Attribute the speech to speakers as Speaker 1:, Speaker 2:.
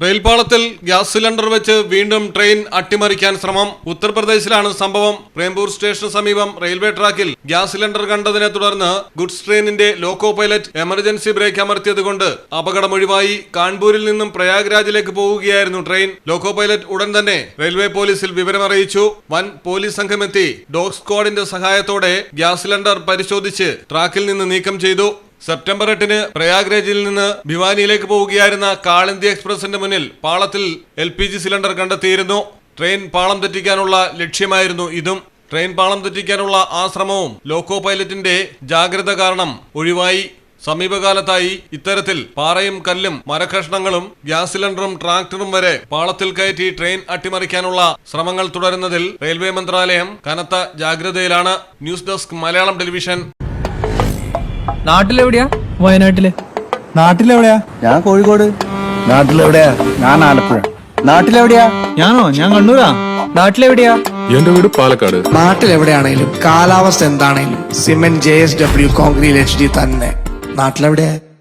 Speaker 1: റെയിൽപാളത്തിൽ gas cylinder വെച്ച് വീണ്ടും train അട്ടിമറിക്കാൻ ശ്രമം. ഉത്തർപ്രദേശിലാണ് സംഭവം. പ്രേംപൂർ സ്റ്റേഷന് സമീപം റെയിൽവേ ട്രാക്കിൽ ഗ്യാസ് സിലിണ്ടർ കണ്ടതിനെ തുടർന്ന് ഗുഡ്സ് ട്രെയിനിന്റെ ലോക്കോ പൈലറ്റ് എമർജൻസി ബ്രേക്ക് അമർത്തിയതുകൊണ്ട് അപകടമൊഴിവായി. കാൺപൂരിൽ നിന്നും പ്രയാഗ്രാജിലേക്ക് പോവുകയായിരുന്നു ട്രെയിൻ. ലോക്കോ പൈലറ്റ് ഉടൻ തന്നെ റെയിൽവേ പോലീസിൽ വിവരമറിയിച്ചു. വൻ പോലീസ് സംഘമെത്തി ഡോഗ് സ്ക്വാഡിന്റെ സഹായത്തോടെ ഗ്യാസ് സിലിണ്ടർ പരിശോധിച്ച് ട്രാക്കിൽ നിന്ന് നീക്കം ചെയ്തു. സെപ്റ്റംബർ 8-ന് പ്രയാഗ്രാജിൽ നിന്ന് ഭിവാനിയിലേക്ക് പോവുകയായിരുന്ന കാളിന്തി എക്സ്പ്രസിന്റെ മുന്നിൽ പാളത്തിൽ LPG സിലിണ്ടർ കണ്ടെത്തിയിരുന്നു. ട്രെയിൻ പാളം തെറ്റിക്കാനുള്ള ലക്ഷ്യമായിരുന്നു ഇതും. ട്രെയിൻ പാളം തെറ്റിക്കാനുള്ള ആ ശ്രമവും ലോക്കോ പൈലറ്റിന്റെ ജാഗ്രത കാരണം ഒഴിവായി. സമീപകാലത്തായി ഇത്തരത്തിൽ പാറയും കല്ലും മരക്കഷ്ണങ്ങളും ഗ്യാസ് സിലിണ്ടറും ട്രാക്ടറും വരെ പാളത്തിൽ കയറ്റി ട്രെയിൻ അട്ടിമറിക്കാനുള്ള ശ്രമങ്ങൾ തുടരുന്നതിൽ റെയിൽവേ മന്ത്രാലയം കനത്ത ജാഗ്രതയിലാണ്. News desk Malayalam television.
Speaker 2: നാട്ടിലെവിടെയാ? വയനാട്ടില്.
Speaker 3: നാട്ടിലെവിടെയാ?
Speaker 4: ഞാൻ കോഴിക്കോട്.
Speaker 3: നാട്ടിലെവിടെയാ?
Speaker 4: ഞാൻ ആലപ്പുഴ. നാട്ടിലെവിടെയാ?
Speaker 3: ഞാൻ കണ്ണൂരാ.
Speaker 2: നാട്ടിലെവിടെയാ?
Speaker 5: എന്റെ വീട് പാലക്കാട്.
Speaker 3: നാട്ടിലെവിടെയാണേലും കാലാവസ്ഥ എന്താണേലും സിമെന്റ് JSW കോൺക്രീറ്റ് HD തന്നെ. നാട്ടിലെവിടെയാ?